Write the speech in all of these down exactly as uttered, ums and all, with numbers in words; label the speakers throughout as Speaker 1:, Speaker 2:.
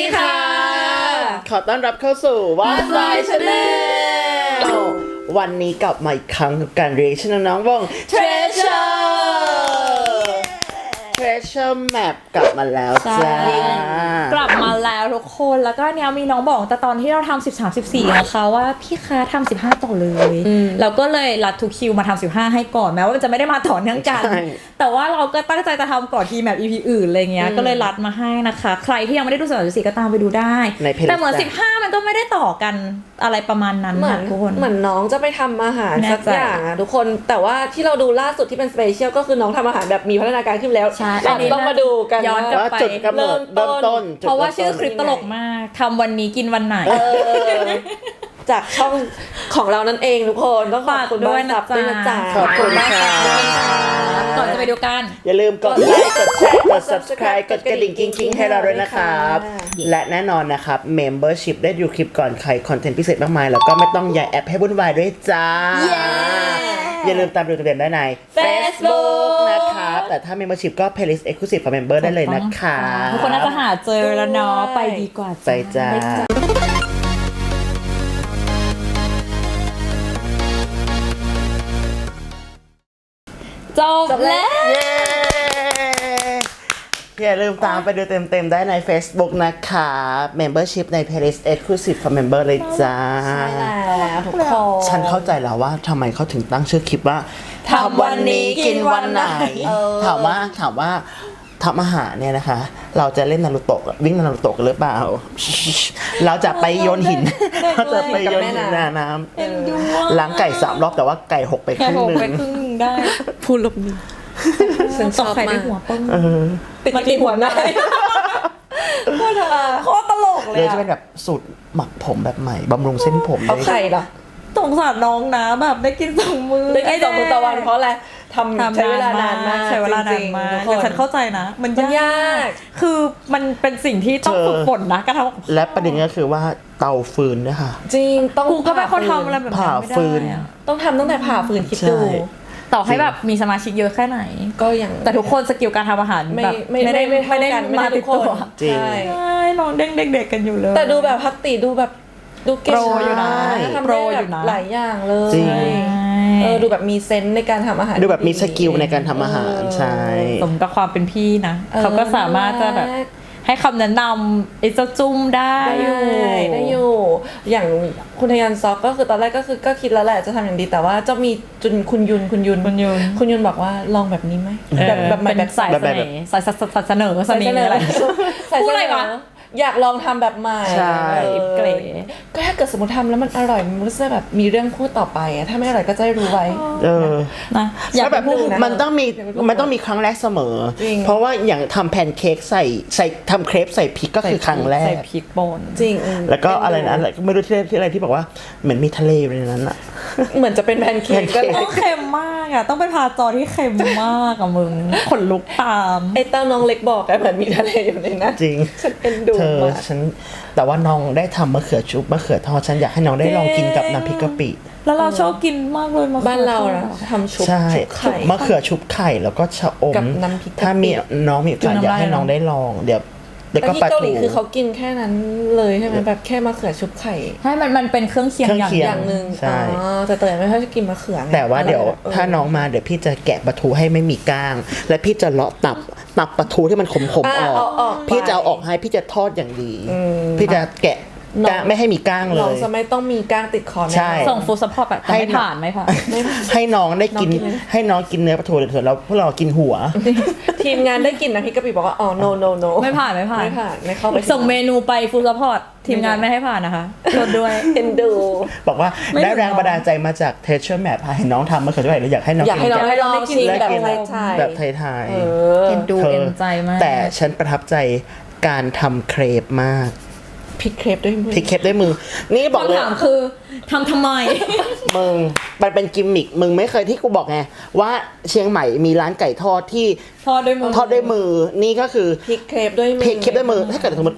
Speaker 1: ดีค่ะ
Speaker 2: ขอต้อนรับเข้าสู่ What's My Channel วันนี้กลับมาอีกครั้งกับการ reaction น้องๆวง Treasure Treasure Map กลับมาแล้วจ้าก
Speaker 1: ลับมาแล้วทุกคนแล้วก็เนี้ยมีน้องบอกแต่ตอนที่เราทำสิบสาม สิบสี่นะคะว่าพี่คะทำสิบห้าต่อเลยเราก็เลยรัดทุกคิวมาทำสิบห้าให้ก่อนแม้ว่ามันจะไม่ได้มาต่อเนื่องกันแต่ว่าเราก็ตั้งใจจะทำก่อนทีแมป อี พี อื่นอะไรเงี้ยก็เลยรัดมาให้นะคะใครที่ยังไม่ได้ดูสิบสาม สิบสี่ก็ตามไปดูได้แต่เหมือนสิบห้ามันก็ไม่ได้ต่อกันอะไรประมาณนั้นค่ะทุกคน
Speaker 3: เหมือนน้องจะไปทำอาหารสักอย่างอะทุกคนแต่ว่าที่เราดูล่าสุดที่เป็นสเปเชียลก็คือน้องทำอาหารแบบมีพัฒนาการขึ้นแล้วเราต้องมาดูกัน
Speaker 1: ย้อนกลับไป
Speaker 2: จุดกำเนิดเริ่มต้น
Speaker 1: เพราะว่าชื่อคลิปตลกมากทำวันนี้กินวันไหน
Speaker 3: จากช่องของเรานั่นเองทุกคนต้องขอบคุณด้วยนะจ๊ะ
Speaker 2: ขอบคุณค่ะ
Speaker 1: ก่อนจะไปดูกัน
Speaker 2: อย่าลืมกดไลค์กดแชร์กด subscribe กดกระดิ่งกิ๊งๆให้เราด้วยนะครับและแน่นอนนะครับ membership ได้ดูคลิปก่อนใครคอนเทนต์พิเศษมากมายแล้วก็ไม่ต้องย้ายแอปให้วุ่นวายด้วยจ้าอย่าลืมตามดูตัวเด่นได้ใน Facebook นะครับแต่ถ้า membership ก็ playlist exclusive for member ได้เลยนะคะ
Speaker 1: ทุกคนน่าจะหาเจอแล้วเนาะไปดีกว่า
Speaker 2: ไปจ้า
Speaker 1: จบแล้ว
Speaker 2: อย่าลืมตามไปดูเต็มๆได้ใน Facebook นะคะ Membership ใน Playlist Exclusive for Member เลยจ้า
Speaker 3: ใช่แล้วทุกคน
Speaker 2: ฉันเข้าใจแล้วว่าทำไมเขาถึงตั้งชื่อคลิปว่า
Speaker 1: ทำวันนี้กินวันไหน
Speaker 2: ถามว่าถามว่าทำอาหารเนี่ยนะคะเราจะเล่นนารูโตะวิ่งนารูโตะกันหรือเปล่าเราจะไปโยนหินเราจะไปโยนหินในน้ำล้างไก่สามรอบแต่ว่าไก่หกไปครึ่งนึง
Speaker 1: ได้
Speaker 3: พูดลบนี้ฉันชอบมาก
Speaker 1: หัวป้ง
Speaker 3: มันติดหัวได้โคตรโคตรตลกเลย
Speaker 2: เลยจะเป็นแบบสูตรหมักผมแบบใหม่บำรุงเส้นผม
Speaker 3: เอาไข่เหรอ
Speaker 1: สงสารน้องนะแบบได้กินสองมือ
Speaker 3: ได้กินสองมือต่อวันเพราะอะไรทำใช้เวลานานมาก
Speaker 1: ใช้เวลานานมากแต่ฉันเข้าใจนะมันยากคือมันเป็นสิ่งที่ต้องฝึกฝนนะการทำ
Speaker 2: และประเด็นก็คือว่าเตาฟืนเนี่ยค่ะ
Speaker 3: จริงต้อง
Speaker 1: กูก็เป็นคนทำอะไรแบบ
Speaker 2: ผ่าฟืน
Speaker 3: ต้องทำตั้งแต่ผ่าฟืนคิดดู
Speaker 1: ต่อให้แบบมีสมาชิกเยอะแค่ไหน
Speaker 3: ก็ยัง
Speaker 1: แต่ทุกคนสกิลการทำอาหารแบบไม่ได้ไม่ได้มาติดตัว
Speaker 2: จริง
Speaker 1: ใช่น้องเด็กๆกันอยู่เลย
Speaker 3: แต่ดูแบบพักติดูแบบดูเก่ง
Speaker 1: อยู่นะ
Speaker 3: ทำโปรอยู่นะหลายอย่างเลยเออดูแบบมีเซนส์ในการทำอาหาร
Speaker 2: ดูแบบมีสกิลในการทำอาหารใช่
Speaker 1: สมกับความเป็นพี่นะเขาก็สามารถจะแบบให้คำแนะนำไอ้เจ้าจุ้มได้
Speaker 3: อยู่ได้อยู่อย่างคุณทยันซอกก็คือตอนแรกก็คือก็คิดแล้วแหละจะทำอย่างดีแต่ว่าจะมีจุนคุณยุนคุณยุน
Speaker 1: คุณยุน
Speaker 3: คุณยุนบอกว่าลองแบบนี้ไหม
Speaker 1: แบบแบบแบบสายเสน่ห์สายเสนอเสน่ห์อะไรพูดอะไรวะ
Speaker 3: อยากลองทำแบบใหม่
Speaker 2: ใช่
Speaker 1: เกร
Speaker 3: ก็ถ้าเกิดสมมติทำแล้วมันอร่อยมันก็จะแบบมีเรื่องพูดต่อไปอะถ้าไม่อร่อยก็จะรู้ไว้
Speaker 2: เออ
Speaker 1: นะ
Speaker 2: อยากแบบมันต้องมีมันต้องมีครั้งแรกเสมอเพราะว่าอย่างทำแพนเค้กใส่ใส่ทำเครปใส่พริกก็คือครั้งแรก
Speaker 1: ใส่พริกป่น
Speaker 3: จริง
Speaker 2: แล้วก็อะไรนะไม่รู้ที่ที่อะไรที่บอกว่าเหมือนมีทะเลอยู่ในนั้นอะ
Speaker 3: เหมือนจะเป็นแพนเค้กก็เลย
Speaker 1: เค็มมากอะต้องไปพาจอที่เค็มมากอะมึงขนลุกตาม
Speaker 3: ไอ้เต้าน้องเล็กบอกอะเหมือนมีทะเลอยู่ในนั้น
Speaker 2: จริง
Speaker 3: ฉันเป็นดูมาก
Speaker 2: ฉันแต่ว่าน้องได้ทำมะเขือชุบมะเขือทอดฉันอยากให้น้องได้ลองกินกับน้ำพริกกะปิ
Speaker 1: แล้วเราชอบกินมากเลยมะเขือ
Speaker 3: บ้านเรานะทำชุบ
Speaker 2: ไข่มะเขือชุบไข่แล้วก็ชะอมถ้ามีน้องมีโอกาสอยากให้น้องได้ลองเดี๋ยว
Speaker 3: แต่ที่เกาหลีคือเขากินแค่นั้นเลยใช่ไหมแบบแค่มะเขือชุบไข่
Speaker 1: ให้มันมันเป็นเครื่องเคียง
Speaker 3: อย่างนึงอ๋อแต่เตยไม่ค่อยจะกินมะเขือ
Speaker 2: แต่ว่าเดี๋ยวถ้าน้องมาเดี๋ยวพี่จะแกะปลาทูให้ไม่มีก้างและพี่จะเลาะตับตับปลาทูที่มันขมๆออกพี่จะเอาออกให้พี่จะทอดอย่างดีพี่จะแกะไม่ให้มีก้างเลย
Speaker 3: น้องจะไม่ต้องมีก้างติดคอ
Speaker 2: ใช่
Speaker 1: ส่งฟู้ดซัพพอร์ตแบบไม่ผ่านไม่ผ่าน
Speaker 2: ให้น้องได้กินให้น้องกินเนื้อปลาทูเถอะแล้วพวกเรากินหัว
Speaker 3: ทีมงานได้กินนะพี่กะปิบอกว่าอ๋อ no no no
Speaker 1: ไม่ผ่านไม่ผ่าน
Speaker 3: ไม่ผ่านไม่เข้าไป
Speaker 1: ส่งเมนูไปฟู้ดซัพพอร์ตทีมงานไม่ให้ผ่านนะคะโทษด้วย
Speaker 3: เอ็นดู
Speaker 2: บอกว่าได้แรงบันดาลใจมาจาก Treasure Map เห็นน้องทำมาเขือด้วยแล้วอยากให้น้อง
Speaker 3: อยากให้น้องให้ลองชิมแบบไทย
Speaker 2: แบบไทย
Speaker 1: ๆเอ็นดูเอ็นใจมาก
Speaker 2: แต่ฉันประทับใจการทำเครปมาก
Speaker 3: พลิกเครปด้วยมือ
Speaker 2: พลิกเครปด้วยมือนี่บอกเลย
Speaker 1: คำถามคือทำทำไม
Speaker 2: มึงมันเป็นกิมมิคมึงไม่เคยที่กูบอกไงว่าเชียงใหม่มีร้านไก่ทอดที่
Speaker 1: ทอดด้วยมือ
Speaker 2: ทอดด้วยมือนี่ก็คือ
Speaker 3: พลิกเครปด้วยมือ
Speaker 2: พลิกเครปด้วยมือถ้าเกิดสมมติใค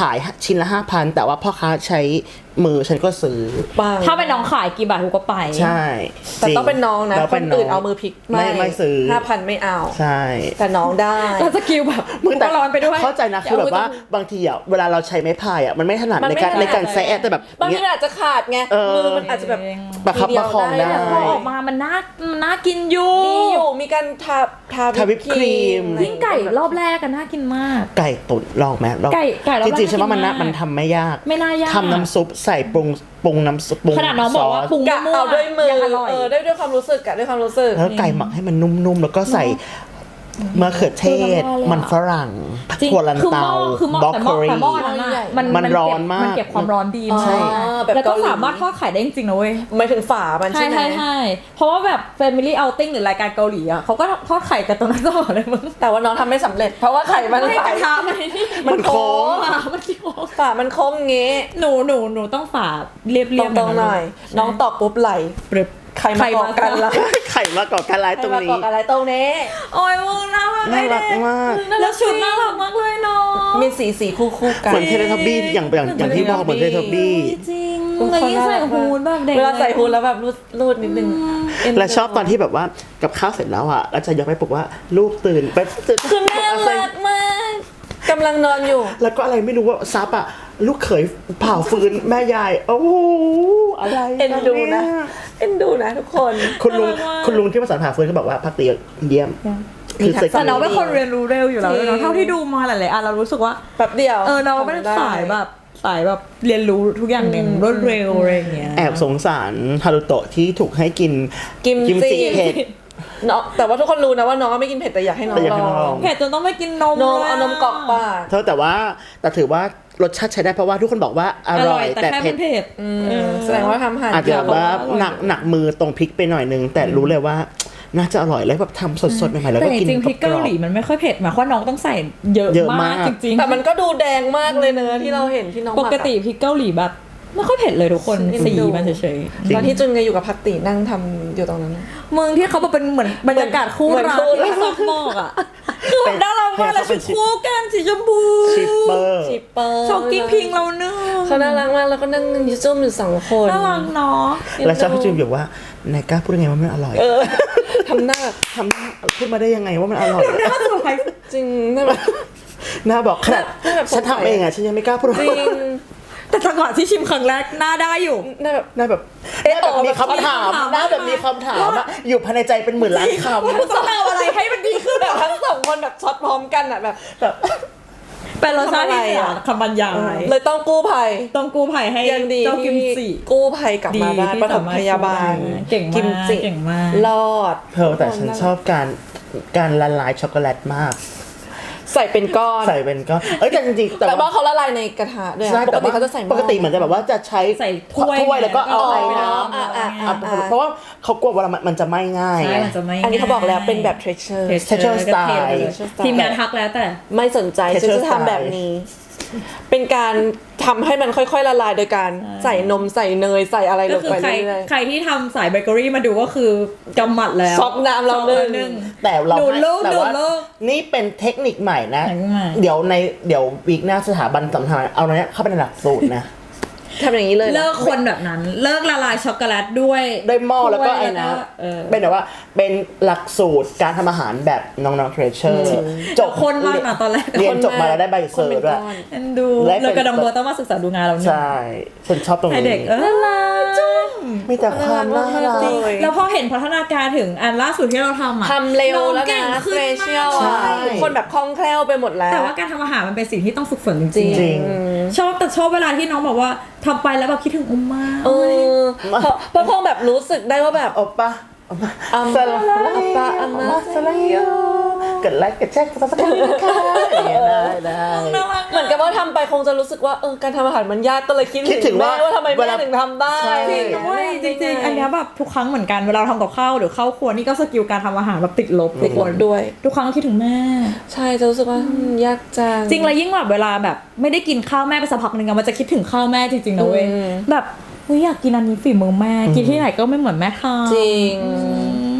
Speaker 2: ายชิ้นละห้าพันแต่ว่าพ่อค้าใช้มือฉันก็ซื้อ
Speaker 3: ปัง
Speaker 1: ถ้าเป็นน้องขายกี่บาทกูก็ไป
Speaker 2: ใช่
Speaker 3: แต่ต้องเป็นน้องนะ
Speaker 2: แล้ว
Speaker 3: ค
Speaker 2: เป็น
Speaker 3: น
Speaker 2: น้ง
Speaker 3: อื่นเอามือพลิก
Speaker 2: ไม่ไม่ซื้อ
Speaker 3: ห้าพันไม่เอา
Speaker 2: ใช่
Speaker 3: แต่น้องได้
Speaker 1: แล้วสกิลแบบ
Speaker 2: มึงแต่
Speaker 1: ก็ร้อนไปด้วย
Speaker 2: เข้าใจนะคือแบบว่าบางทีอ่ะเวลาเราใช้ไม้พายอ่ะมันไม่ถนัด
Speaker 3: มัน
Speaker 2: ใน
Speaker 3: ไม่
Speaker 2: การ
Speaker 3: ถนัด
Speaker 2: ในการแซะแต่แบบ
Speaker 3: บางที
Speaker 2: เนี้ย
Speaker 3: มันอาจจะขาดไง
Speaker 2: เออ
Speaker 3: มือมันอาจจะแบบ
Speaker 2: ประคับประคองได้
Speaker 3: ทีเยว
Speaker 1: พอออกมามันน่ามันน่ากินอยู่
Speaker 3: มีอยู่มีการทาทา
Speaker 2: ทาวิปครีม
Speaker 3: อะไรอ
Speaker 1: ยิ่งไก่รอบแรกกันน่ากินมาก
Speaker 2: ไก่ตุ๋นลองไหมลอง
Speaker 1: ไก่ไก่รอบ
Speaker 2: จ
Speaker 1: แรก
Speaker 2: ริงๆฉันว่ามัน
Speaker 1: น่า
Speaker 2: นะ
Speaker 1: กินมาก
Speaker 2: มันทำไม่ยาก
Speaker 1: ไม่น่ายาก
Speaker 2: ทำน้ำซุปใส่ปรุงปรุงน้ำซุปปรุง
Speaker 1: ขนาดน้องบอกว่า
Speaker 2: ซส
Speaker 1: ปรุง
Speaker 3: กะ
Speaker 1: มั่ว
Speaker 3: เอาด้วยมือ
Speaker 1: ยังอร่อย
Speaker 3: เออได้ด้วยความรู้สึกกะด้วยความรู้สึก
Speaker 2: แล้วไก่หมักให้มันนุ่มๆแล้วก็ใส่มะเขือเทศ มันฝรั่ง
Speaker 1: จริง
Speaker 2: ถั่วลัน
Speaker 1: คือห
Speaker 2: เตา
Speaker 1: ม้อคือหม้อบ
Speaker 2: ล็อก
Speaker 1: แต่ห
Speaker 2: โค
Speaker 1: ม้อ
Speaker 2: รี
Speaker 1: แต่หม้อนั้นอะมัน
Speaker 2: มันร้อนมาก
Speaker 1: มันเก็บความร้อนดีมาก
Speaker 2: ใช่
Speaker 3: แบบ
Speaker 1: แล้วก็
Speaker 3: เกาหลี
Speaker 1: สามารถทอดไข่ได้จริงๆนะเว้ย
Speaker 3: หมายถึงฝามัน
Speaker 1: ใช่
Speaker 3: ใช่ไหม
Speaker 1: ใช่ใช่เพราะว่าแบบ Family Outing หรือรายการเกาหลีอ่ะเขาก็ทอดไข่กันตรงนั้นตลอดเลยมึง
Speaker 3: แต่ว่าน้องทำไม่สำเร็จ เพราะว่าไข่มัน
Speaker 1: ไม่
Speaker 3: ไหล
Speaker 1: กระทะมันนี่
Speaker 2: มันโค้ง
Speaker 1: อ่ะมันโค้ง
Speaker 3: ฝามันโค้งงี้
Speaker 1: หนูหนูหนูต้องฝาเรียบเรี
Speaker 3: ต
Speaker 1: ยบ
Speaker 3: รงๆหน่อย น้องตอบปุ๊บไหล
Speaker 1: ปรึบ
Speaker 3: ใครมาก่อกันล่ะ
Speaker 2: ไข่มาก่อการร้าย
Speaker 3: ใค
Speaker 2: ต
Speaker 3: ร
Speaker 2: รง
Speaker 3: มา
Speaker 2: นี้
Speaker 3: ก่อกันอะไรตรงนี้
Speaker 1: โอ้ยมึงน่ารัก
Speaker 2: น่ารักมาก
Speaker 1: แล้วชุดน่ารักมากเลยเนาะ
Speaker 3: มีสีสีคู่คู่ๆกัน
Speaker 2: เหมือนเทเลทับบี้อย่างอย่างอย่างที่บอกเหมือนเทเลทับบี้
Speaker 1: จริงแล้วยิ่งใส่ฮูดแบบเด็ก
Speaker 3: เวลาใส่ฮูดแล้วแบบรูดรูดนิดนึงเนดู
Speaker 2: และชอบตอนที่แบบว่ากับข้าวเสร็จแล้วอ่ะแล้วจะยกไปปลุกว่าลูกตื่นไปตื่น
Speaker 3: คือน่ารักมากกำลังนอนอยู่
Speaker 2: แล้วก็อะไรไม่รู้ว่าซับอ่ะลูกเขยเผาฟืนแม่ยายโอ้โหอะไร
Speaker 3: เอ็นดูนะ
Speaker 2: เย
Speaker 3: เอ็นดูนะทุกคน
Speaker 2: คุณลุงคุณลุงที่มาสอนผ่าฟืนเขาบอกว่าพักตีเยี่ยม
Speaker 3: มี
Speaker 2: คือ
Speaker 3: ทักษะ
Speaker 2: เซ็ก
Speaker 1: แต่
Speaker 2: ซี่
Speaker 1: น้องเป็นคนเรียนรู้เร็วอยู่แล้ว
Speaker 3: จริง
Speaker 1: เนาะเท่าที่ดูมาหลายๆอันเรารู้สึกว่า
Speaker 3: แป๊บเดียว
Speaker 1: เออน้องเป็นสายแบบสายแบบเรียนรู้ทุกอย่างอย่างรวดเร็วอะไรอย่างเงี้ย
Speaker 2: แอบสงสารฮารุโตะที่ถูกให้กิน
Speaker 3: กิมจิ
Speaker 2: จิเผ็ด
Speaker 3: เนาะแต่ว่าทุกคนรู้นะว่าน้องไม่กินเผ็ดแต่อยากให้น้อง
Speaker 2: แต่อยากให้
Speaker 3: ล
Speaker 2: น้องล
Speaker 3: อ
Speaker 2: อง ง
Speaker 1: เผ็ดจนต้องไม่กินนม
Speaker 3: นม
Speaker 1: ลยะ
Speaker 3: เอานมกรอกปาก
Speaker 2: เธอแต่ว่าแต่ถือว่ารสชาติใช้ได้เพราะว่าทุกคนบอกว่าอ
Speaker 1: อ
Speaker 2: ร่
Speaker 1: ร่
Speaker 2: อ
Speaker 1: อย ยแต่
Speaker 2: แต่
Speaker 1: แค่
Speaker 2: เผ็
Speaker 1: มั
Speaker 2: ด
Speaker 1: นเผ็ดเออ
Speaker 3: แสดงว่าทำอาหาร
Speaker 2: อาจจะแบบว่า
Speaker 1: อร่อย
Speaker 2: หนักหนักมือตรงพริกไปหน่อยนึง แต่รู้เลยว่าน่าจะอร่อยแล้วแบบทำสดๆใหม่ๆแล้ว
Speaker 1: แต่
Speaker 2: ก็
Speaker 1: จ
Speaker 2: กิน
Speaker 1: ริงๆพริก
Speaker 2: กร
Speaker 1: เกา
Speaker 2: อบ
Speaker 1: หลีมันไม่ค่อยเผ็ดหมายความว่าน้องต้องใส่เยอะ
Speaker 2: เยอะ
Speaker 1: มาม
Speaker 2: าก ก
Speaker 1: จริงๆ
Speaker 3: แต่มันก็ดูแดงมากเลยเนอะที่เราเห็นที่น้อง
Speaker 1: ป
Speaker 3: หมัอะ
Speaker 1: กติพริกเกาหลีแบบไม่ค่อยเผ็ดเลยทุกคน
Speaker 3: เอ็น
Speaker 1: สี
Speaker 3: ดู
Speaker 1: มันเฉย
Speaker 3: ตอนที่จุนไงอยู่กับพักตีนั่งทำอยู่ตรงนั้นนะ
Speaker 1: ๆมึงที่เขาบอกเป็นเหมือนบรรยากาศคู่
Speaker 3: เหมือน
Speaker 1: รัก
Speaker 3: คู่รัก
Speaker 1: ที่ซอกหมอกอ่ะคือแบบน่ารักมากเลยชุดคู่กันสีชมพู
Speaker 2: ชิปเปอร์
Speaker 3: ชิปเปอร์
Speaker 1: ชอบกิ้งพิงเราเนื้อ
Speaker 3: เขาน่ารักมากแล้วก็นั่งยิ้มอยู่สองคน
Speaker 1: น่ารักเนาะ
Speaker 2: แล้วชอบพี่จิมบอกว่านายกล้าพูดยังไงว่ามันอร่อย
Speaker 3: เออทำหน้า
Speaker 2: ทำพูดมาได้ยังไงว่ามันอร่อย
Speaker 1: น่าสวย
Speaker 3: จริงน่าแบบ
Speaker 2: หน้าบอกขนาด
Speaker 3: หน้าแบบ
Speaker 2: ฉันทำเองอ่ะฉันยังไม่กล้าพูด
Speaker 3: จริง
Speaker 1: แต่จังหวะที่ชิมครั้งแรกหน้าได้อยู่
Speaker 3: น่าแบบ
Speaker 2: หน้าแบบ
Speaker 3: เอ๊ะ
Speaker 2: หน้าแบบมีคำถาม
Speaker 1: แบบ
Speaker 2: หน้าแบบมีคำถามอะอยู่ภายในใจเป็นหมื่นล้านคำ
Speaker 1: คุณต้องเอาอะไรให้มันดีขึ้น
Speaker 3: แบบทั้งสองคนแบบช็อตพร้อมกันอ่ะแบบแบบ
Speaker 1: เป็นรสชาติที่
Speaker 3: ทำอะไร
Speaker 1: เหนือ
Speaker 3: อะ
Speaker 1: คำบรรยาย
Speaker 3: เลยต้องกู้ภัย
Speaker 1: ต้องกู้ภัยให้
Speaker 3: ยังดี
Speaker 1: เจ้ากิม
Speaker 3: ที่
Speaker 1: จิ
Speaker 3: กู้ภัยกลับมาได้
Speaker 1: ที่
Speaker 3: ปฐมพยาบาล
Speaker 1: เก่งมาก
Speaker 3: กิมจิ
Speaker 1: เก่งมาก
Speaker 3: รอด
Speaker 2: เพร์ลแต่ฉันชอบการการละลายช็อกโกแลตมาก
Speaker 3: ใส่เป็นก้อน
Speaker 2: ใส่เป็นก็เอ้ยแต่จริงๆ
Speaker 3: แต่
Speaker 2: แต่
Speaker 3: ว่า
Speaker 2: ว่า
Speaker 3: เขาละลายในกระทะด้วยอะ
Speaker 2: ใช่
Speaker 3: ปก
Speaker 2: แต่
Speaker 3: ติ
Speaker 2: ว่า
Speaker 3: เขาจะใส่หม้อ
Speaker 2: ปกติเหมือนจะแบบว่าจะใช้
Speaker 1: ใส่ถ้วย
Speaker 2: ถ้วยแล้วก็เอาไอ้น้
Speaker 3: อ๋ออ่ะอ่ะ
Speaker 2: ำ
Speaker 3: อ่ะ
Speaker 2: อ่ะเพราะว่าเขากลัวว่ามันจะไหม้ง่าย
Speaker 1: ใช่
Speaker 2: ไง
Speaker 1: มันจะไม่
Speaker 3: อันนี้เขาบอกแล้วเป็นแบบ treasure
Speaker 2: Texture style
Speaker 1: ทีมงานทักแล้วแต่
Speaker 3: ไม่สนใจ
Speaker 2: Texture
Speaker 3: ฉันจะทำแบบนี้ เป็นการทำให้มันค่อยๆละลายโดยการใส่นมใส่เนยใส่อะไรล
Speaker 1: ก็
Speaker 3: ง
Speaker 1: คือ
Speaker 3: ไป
Speaker 1: ใคร
Speaker 3: เรื่อย
Speaker 1: ใครที่ทำสายเบเกอรี่มาดูก็คือกำหมัดแล้ว
Speaker 3: ช็อกน้ำเรา
Speaker 1: ช็อก
Speaker 3: หนึ่ง
Speaker 2: แต่เรา
Speaker 1: ดูดลูก
Speaker 2: แต่ว่า
Speaker 1: ดูดลูก
Speaker 2: นี่เป็นเทคนิคใหม่นะ
Speaker 1: เทคนิคใหม่
Speaker 2: เดี๋ยวในเดี๋ยววีคหน้าสถาบันสำคัญเอาเนี้ยเข้าไปในหลักสูตรนะ
Speaker 3: ทำอย่างนี้เลยนะ
Speaker 1: เลิกคนแบบนั้น เลิกละลายช็อกโกแลตด้วย
Speaker 2: ด้วยหม้อแล้วก็
Speaker 1: ถ้ย
Speaker 2: ไอ้นะ
Speaker 1: เออ
Speaker 2: เป็นแบบว่าเป็นหลักสูตรการทำอาหารแบบน้องๆเทรเชอร์จบ
Speaker 1: คนมากนะตอนแรก
Speaker 2: เรียนจบมาแล้วได้ใบเซอร์ด้วย
Speaker 1: เอ็นดู
Speaker 2: และเป็น
Speaker 1: เลยกระดองเบอร์ต้องมาศึกษาดูงานเราเนี่ย
Speaker 2: ใช่ฉันชอบตรง
Speaker 1: ให้
Speaker 2: นี้
Speaker 1: เด็กเออน่ารักจุ๊บ
Speaker 2: มีแต่ความน่ารัก
Speaker 3: จริง
Speaker 1: แล้วพอเห็นพัฒนาการถึงอันล่าสุดที่เราทำอ่ะ
Speaker 3: ทำเร็ว
Speaker 1: น้อง
Speaker 3: แล้ว
Speaker 1: เก่ง
Speaker 3: นะ
Speaker 1: ขึ้น
Speaker 3: เฟ
Speaker 1: มาก
Speaker 3: เชียล
Speaker 2: ใช่
Speaker 3: ทุกคนแบบคล่องแคล่วไปหมดแล้ว
Speaker 1: แต่ว่าการทำอาหารมันเป็นสิ่งที่ต้องฝึกฝนจ
Speaker 3: จริ
Speaker 1: ริ
Speaker 3: ง
Speaker 1: ง
Speaker 2: จริง
Speaker 1: ๆชอบแต่ชอบเวลาที่น้องบอกว่าทำไปแล้วแบบคิดถึงอุมมา
Speaker 3: เออเพราะเพราะคงแบบรู้สึกได้ว่าแบบ
Speaker 2: โอปะ
Speaker 3: อัม
Speaker 2: สลา
Speaker 3: อัปปะอัมมา
Speaker 2: สลายโยกดไลค์กดแชร์กดซับสไครต์นะคะอย่างเงี้ยได้ได้
Speaker 1: น่ารัก
Speaker 3: เหมือนกับว่าทำไปคงจะรู้สึกว่าเออการทำอาหารมันยากก็เลยคิด
Speaker 2: คิดถึงว่า
Speaker 3: แม่ว่าทำไม
Speaker 2: เว
Speaker 3: แม่
Speaker 2: ลา
Speaker 3: ถึงทำได้
Speaker 2: ใช่
Speaker 1: จริงด้วยจริงๆ อันเนี้ยแบบทุกครั้งเหมือนกันเวลาเราทำกับข้าวหรือเข้าครัวนี่ก็สกิลการทำอาหารแบบติดลบ
Speaker 3: ติดหมดด้วย
Speaker 1: ทุกครั้งคิดถึงแม่
Speaker 3: ใช่จะรู้สึกว่าอืมยากจัง
Speaker 1: จริงแล้วยิ่งแบบเวลาแบบไม่ได้กินข้าวแม่ไปสักพักหนึ่งอะมันจะคิดถึงข้าวแม่จริงๆนะเว้ย
Speaker 3: อืม
Speaker 1: แบบเฮ้ยอยากกินอันนี้ฝีมือแม่กินที่ไหนก็ไม่เหมือนแม่ทำ
Speaker 3: จริง
Speaker 1: อืม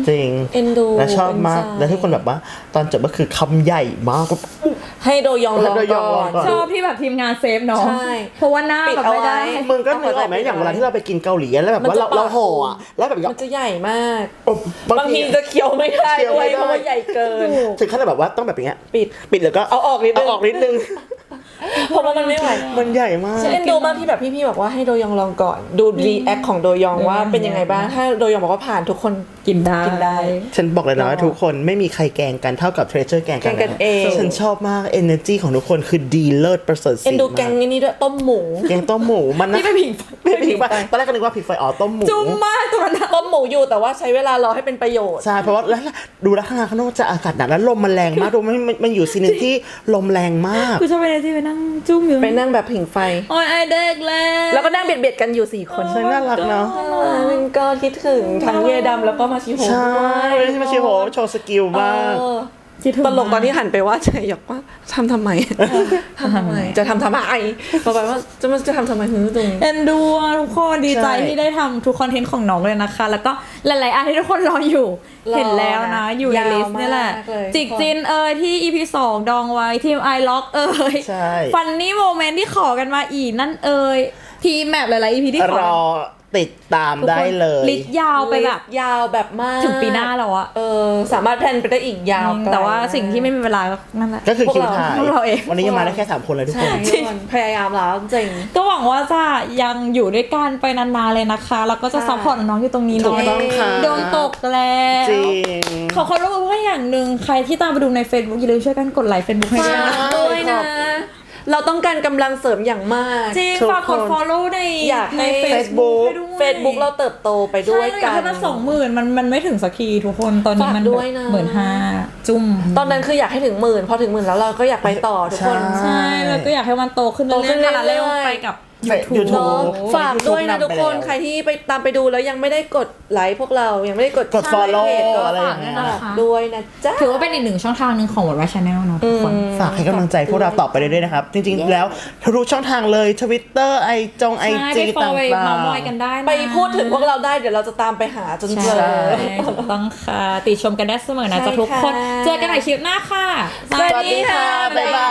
Speaker 2: จริง
Speaker 3: เอ็นดู
Speaker 2: และชอบมาก
Speaker 3: เอ็นใจ
Speaker 2: และทุกคนแบบว่าตอนจบก็คือคำใหญ่มากก็
Speaker 3: ให้โดยองลอง
Speaker 2: ให้โดยองล
Speaker 3: ก่
Speaker 2: อ
Speaker 3: อง น
Speaker 2: ก่อน
Speaker 1: ชอบที่แบบทีมงานเซฟน้อง
Speaker 3: ใช่
Speaker 1: เพราะว่าหน้า
Speaker 3: ปิด
Speaker 1: แบบ
Speaker 3: เอา
Speaker 1: ไม่
Speaker 3: ไว้
Speaker 1: ได้
Speaker 2: มึงก็นึกออกไหมอย่างเวลาที่เราไปกินเกาหลีแล้วแบบว่าเราเราห่ออ่ะแล้วแบบ
Speaker 3: มันจะใหญ่มาก
Speaker 2: บาง
Speaker 3: บาง
Speaker 2: ที
Speaker 3: ทีจะเคี้ยวไม่ได้
Speaker 2: เคี้ยว
Speaker 3: ด้ว
Speaker 2: ไม่
Speaker 3: ย
Speaker 2: ได้
Speaker 3: เพราะว่าใหญ่เกิน
Speaker 2: ถึงขั้นแบบว่าต้องแบบอย่างเงี้ย
Speaker 3: ปิด
Speaker 2: ปิดแล้วก็
Speaker 3: เอาออกนิดนึง
Speaker 2: เอาออกนิดนึง
Speaker 3: เพราะว่ามันไม่ไหว
Speaker 2: มันใหญ่มาก
Speaker 3: ฉันเอ็นดูมากที่แบบพี่ๆบอกว่าให้โดยองลองก่อน ดูรีแอคของโดยองว่าเป็นยังไงบ้างถ้าโดยองบอกว่าผ่านทุกคน
Speaker 1: กินได้
Speaker 3: กินได้
Speaker 2: ฉันบอกเลยนะว่าทุกคนไม่มีใครแกล้งกันเท่ากับเทรเจอร์แกล้งกัน
Speaker 3: แกล้งกันเอง
Speaker 2: ฉันชอบมาก energy ของทุกคนคือดีเลิศประเสริฐศรี
Speaker 3: เอ็นดูแกง
Speaker 2: มาก
Speaker 3: นี้ด้วยต้มหมู
Speaker 2: แกงต้มหมูมันนะ
Speaker 1: ที่ไม่ผิง
Speaker 2: ไม่ผิงไฟตอนแรกก็นึกว่าผิงไฟอ๋อต้มหมู
Speaker 1: จุ่มมากตัวนั้นอะ
Speaker 3: ต้มหมูอยู่แต่ว่าใช้เวลารอให้เป็นประโยชน์
Speaker 2: ใช่เพราะว่าแล้วดูแล้วข้างในข้างนอกจะอากาศหนาวแล้วลมมันแรงมากดูมันมันมันอยู่ซีนนที่ลมแรงมาก
Speaker 1: คือชอบไปเลยที่ไปนั่งจุ่มอยู่
Speaker 3: ไปนั่งแบบผิงไฟ
Speaker 1: โอ้ยไอเด็กแล้ว
Speaker 3: แล้วก็นั่งเบียดเบียดๆกันอยู่สี่คน
Speaker 2: ใช่น่ารักเนาะ
Speaker 3: มันก็คิดถึงทั้งเยดำแล้วก็มาชิโฮ
Speaker 2: ใช่
Speaker 3: ด้วย
Speaker 2: ที่มาชิโฮโชว์สกิลมาก
Speaker 3: เออ
Speaker 1: คิดถึง
Speaker 3: ตลกตอนที่หันไปว่าใจหยอกว่าทำทำไมทำทำไม จะทำทำไมบอกไปว่าจะมาจะทำทำไมฮึตรง
Speaker 1: เอ็นดูอะทุกคนดีใจ
Speaker 2: ใช่
Speaker 1: ที่ได้ทำทุกคอนเทนต์ของน้องเลยนะคะ แล้วก็หลายๆอันที่ทุกคนรออยู่
Speaker 3: รอ
Speaker 1: เห็นแล้วนะ อยู่ใน
Speaker 3: ยาว
Speaker 1: ลิสต์นี่แหละ
Speaker 3: มากเลย
Speaker 1: จิกจินเอยที่ อี พี สองดองไว้ทีมไอล็อกเอย
Speaker 2: ใช่
Speaker 1: ฟันนี่โมเมนต์ที่ขอกันมาอีกนั่นเอยทีมแมปหลายๆ อี พี ที่ขอ
Speaker 2: รอติดตามได้เลย
Speaker 1: ลิสต์ยาวไปแบบ
Speaker 3: ยาวแบบมาก
Speaker 1: ถึงปีหน้าแล้วอะ
Speaker 3: เออสามารถแพลนไปได้อีกยาวไกล
Speaker 1: แต่ว่าสิ่งที่ไม่มีเวลาก็นั่นแหละ
Speaker 2: ก็คือ
Speaker 3: พวก
Speaker 2: คิว
Speaker 3: เรา
Speaker 2: ถ่าย
Speaker 1: พวกเราเอง
Speaker 2: วันนี้ยังมาได้แค่สามคนเลยทุกค
Speaker 3: ใช่
Speaker 2: น
Speaker 3: ทุกคนพยายามแล้วจริง
Speaker 1: ก็หวังว่าจะยังอยู่ด้วยกันไปนานๆเลยนะคะ แล้วก็จะ
Speaker 3: ค่ะ
Speaker 1: ซัพพอร์ตน้องๆอยู่ตรงนี้
Speaker 2: ถูก
Speaker 1: เนาะ
Speaker 2: ต้องค่ะ
Speaker 1: โดนตกแล้ว
Speaker 2: จริง
Speaker 1: ขอความร่วมมือเพื่ออย่างหนึ่งใครที่ตามไปดูใน Facebook อย่าลืมช่วยกันกดไลค์ Facebook ให้ด้วยนะ
Speaker 2: ใช่
Speaker 3: ด้วยนะ เราต้องการกำลังเสริมอย่างมาก
Speaker 1: จริง
Speaker 2: ทุก
Speaker 1: ฝากกด
Speaker 2: คน
Speaker 1: follow ใน
Speaker 3: อยากให้
Speaker 1: ใน
Speaker 2: Facebook
Speaker 1: ให้ด้วย
Speaker 3: Facebook เราเติบโตไปด้วย
Speaker 1: ใช่
Speaker 3: กั
Speaker 1: เราอยาน กให้มันสองหมื่นมันมันไม่ถึงสักทีทุกคนตอนนี้
Speaker 3: ฝาก
Speaker 1: มัน
Speaker 3: ด้วยนะ
Speaker 1: หมื่นห้าจุ่ม
Speaker 3: ตอนนั้นคืออยากให้ถึงหมื่นพอถึงหมื่นแล้วเราก็อยากไปต่อทุกคน
Speaker 2: ใช่
Speaker 1: ใช่แล้วก็อยากให้มันโตขึ้น
Speaker 3: โตขึ้น
Speaker 1: เรื่อยๆพาราเรล
Speaker 3: เรื่อยๆ
Speaker 1: ไปกับ
Speaker 2: YouTube
Speaker 1: YouTube
Speaker 3: เนาะ
Speaker 2: โอ้
Speaker 3: ฝากด้วยนะ
Speaker 2: YouTube
Speaker 3: ทุกคน
Speaker 2: นำไปแล้ว
Speaker 3: ใครที่ไปตามไปดูแล้วยังไม่ได้กดไลค์พวกเรายังไม่ได้กด
Speaker 2: กด
Speaker 3: ใช่
Speaker 2: follow
Speaker 3: เพจก็
Speaker 2: อะไรอ
Speaker 3: ฝาก
Speaker 2: ย่างเงี้ย
Speaker 3: ฝากด้วยนะจ๊ะ
Speaker 1: ถือว่าเป็นอีกหนึ่งช่องทางหนึ่งของวัดวายชาแนลเนาะทุกคน
Speaker 2: ฝากให้กำลังใจพวกเราต่อไปเรื่อยๆนะครับ จริงๆแล้วทุกช่องทางเลย Twitter ไอจงไอ
Speaker 1: ใช่
Speaker 2: จี
Speaker 1: ไปฟอ
Speaker 2: ต่า
Speaker 1: ลไปเมาง มอย
Speaker 2: ๆ
Speaker 1: กันได้นะ
Speaker 3: ไปพูดถึงพวกเราได้เดี๋ยวเราจะตามไปหาจนเจ
Speaker 1: ใช่
Speaker 3: อ
Speaker 1: ถูกต้องค่ะ ติชมกันได้เสมอนะ
Speaker 3: ใช่
Speaker 1: จ๊ะทุกคน
Speaker 3: ค่ะ
Speaker 1: เจอกันใหม่คลิปหน้าค่ะ
Speaker 3: สวัสดีค่ะ
Speaker 2: บ๊ายบาย